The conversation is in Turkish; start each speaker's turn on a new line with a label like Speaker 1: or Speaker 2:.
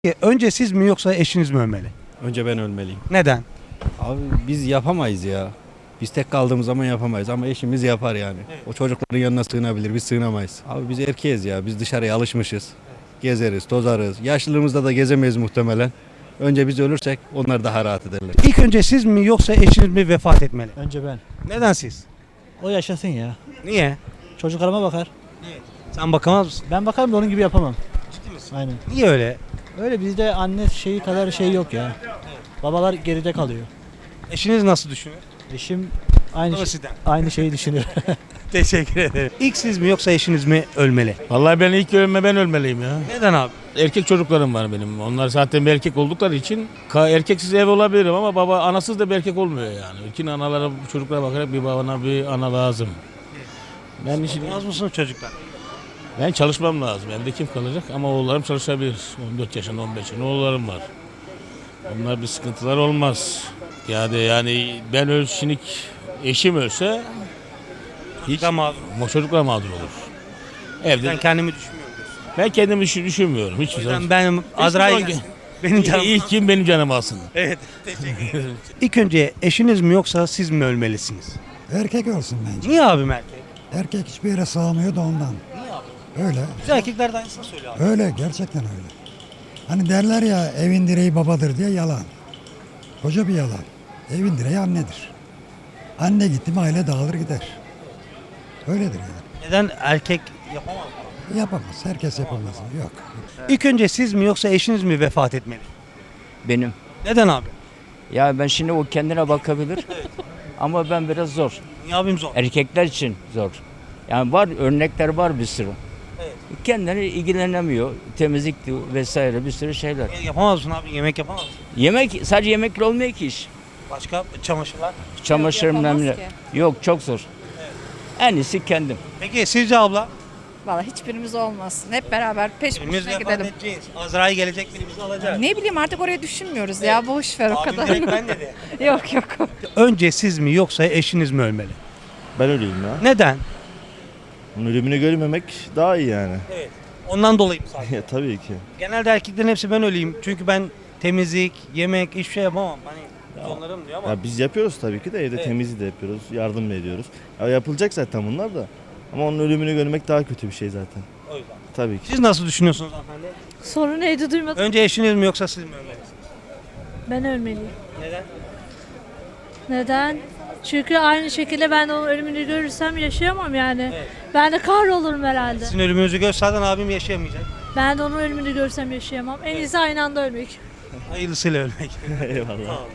Speaker 1: Önce siz mi yoksa eşiniz mi ölmeli?
Speaker 2: Önce ben ölmeliyim.
Speaker 1: Neden?
Speaker 2: Abi biz yapamayız ya. Biz tek kaldığımız zaman yapamayız ama eşimiz yapar yani. O çocukların yanına sığınabilir, biz sığınamayız. Abi biz erkeğiz ya, biz dışarıya alışmışız. Gezeriz, tozarız. Yaşlılığımızda da gezemeyiz muhtemelen. Önce biz ölürsek onlar daha rahat ederler.
Speaker 1: İlk önce siz mi yoksa eşiniz mi vefat etmeli?
Speaker 3: Önce ben.
Speaker 1: Neden siz?
Speaker 3: O yaşasın ya.
Speaker 1: Niye?
Speaker 3: Çocuklarıma bakar.
Speaker 1: Sen bakamaz mısın?
Speaker 3: Ben bakarım da onun gibi yapamam.
Speaker 1: Ciddi misin?
Speaker 3: Aynen.
Speaker 1: Niye öyle?
Speaker 3: Öyle bizde anne şeyi kadar şey yok ya. Babalar geride kalıyor.
Speaker 1: Eşiniz nasıl düşünüyor?
Speaker 3: Eşim
Speaker 1: O
Speaker 3: aynı
Speaker 1: da sizden.
Speaker 3: aynı şeyi düşünüyor.
Speaker 1: Teşekkür ederim. İlk siz mi yoksa eşiniz mi ölmeli?
Speaker 4: Vallahi ben ilk ben ölmeliyim ya.
Speaker 1: Neden abi?
Speaker 4: Erkek çocuklarım var benim. Onlar zaten bir erkek oldukları için erkeksiz ev olabilirim ama anasız da bir erkek olmuyor yani. İki analara çocuklara bakarak bir babana bir ana lazım.
Speaker 1: Olmaz mısınız çocuklar?
Speaker 4: Ben çalışmam lazım. Evde kim kalacak ama oğullarım çalışabilir. 14 yaşında 15 yaşında oğullarım var. Onlar bir sıkıntılar olmaz. Yani ben şimdi eşim ölse hiç
Speaker 1: Ama
Speaker 4: çocuklar mağdur olur. Evde
Speaker 1: ben kendimi düşünmüyorum.
Speaker 4: ben kendimi düşünmüyorum. Hiç
Speaker 1: O yüzden benim Azrail benim canım.
Speaker 4: İlk kim benim canımı alsın.
Speaker 1: Evet. Teşekkür ederim. İlk önce eşiniz mi yoksa siz mi ölmelisiniz?
Speaker 5: Erkek olsun bence.
Speaker 1: Niye abim erkek?
Speaker 5: Erkek hiçbir yere sığamıyor da ondan. Öyle.
Speaker 1: Biz erkekler de aynısını söylüyor abi.
Speaker 5: Öyle. Gerçekten öyle. Hani derler ya evin direği babadır diye yalan. Koca bir yalan. Evin direği annedir. Anne gitti mi aile dağılır gider. Öyledir yani.
Speaker 1: Neden erkek yapamaz?
Speaker 5: Yapamaz. Herkes yapamaz. Yok.
Speaker 1: İlk önce siz mi yoksa eşiniz mi vefat etmeli?
Speaker 6: Benim.
Speaker 1: Neden abi?
Speaker 6: Ya ben şimdi o kendine bakabilir. Ama ben biraz zor.
Speaker 1: Niye abim zor?
Speaker 6: Erkekler için zor. Yani var örnekler var bir sürü. Kendine ilgilenemiyor. Temizlikti vesaire bir sürü şeyler.
Speaker 1: Yapamaz mısın abi? Yemek yapamaz mısın?
Speaker 6: Yemek sadece yemekle olmuyor ki iş.
Speaker 1: Başka çamaşırlar.
Speaker 6: Çamaşır
Speaker 7: yapamaz
Speaker 6: memle.
Speaker 7: ki.
Speaker 6: Yok çok zor. En iyisi kendim.
Speaker 1: Peki sizce abla?
Speaker 7: Valla hiçbirimiz olmasın. Hep beraber peş
Speaker 1: Birimiz
Speaker 7: peşine
Speaker 1: vefat
Speaker 7: gidelim.
Speaker 1: edeceğiz. Azrail gelecek biri bizi alacak.
Speaker 7: Ne bileyim artık oraya düşünmüyoruz ya. Boş ver o
Speaker 1: Abim
Speaker 7: kadar.
Speaker 1: direkt ben dedi.
Speaker 7: Yok yok.
Speaker 1: Önce siz mi yoksa eşiniz mi ölmeli?
Speaker 8: Ben öleyim ya.
Speaker 1: Neden?
Speaker 8: Onun ölümünü görmemek daha iyi yani.
Speaker 1: Ondan dolayı mı sadece?
Speaker 8: Ya tabii ki.
Speaker 1: Genelde erkeklerin hepsi ben öleyim. Çünkü ben temizlik, yemek, hiçbir şey yapamam. Hani onlarım diyor ama.
Speaker 8: Ya biz yapıyoruz tabii ki de evde
Speaker 1: Evet.
Speaker 8: temizliği de yapıyoruz, yardım da ediyoruz. Ya yapılacak zaten bunlar da. Ama onun ölümünü görmek daha kötü bir şey zaten.
Speaker 1: O yüzden.
Speaker 8: Tabii ki.
Speaker 1: Siz nasıl düşünüyorsunuz hanımefendi?
Speaker 9: Soru neydi duymadım.
Speaker 1: Önce eşiniz mi yoksa siz mi ölmelisiniz?
Speaker 9: Ben ölmeliyim.
Speaker 1: Neden?
Speaker 9: Neden? Çünkü aynı şekilde ben de onun ölümünü görürsem yaşayamam yani.
Speaker 1: Evet.
Speaker 9: Ben de kahrolurum herhalde.
Speaker 1: Sizin ölümünüzü gör zaten abim yaşayamayacak.
Speaker 9: Ben de onun ölümünü görsem yaşayamam. En iyisi aynı anda ölmek.
Speaker 1: Hayırlısıyla ölmek.
Speaker 8: Eyvallah.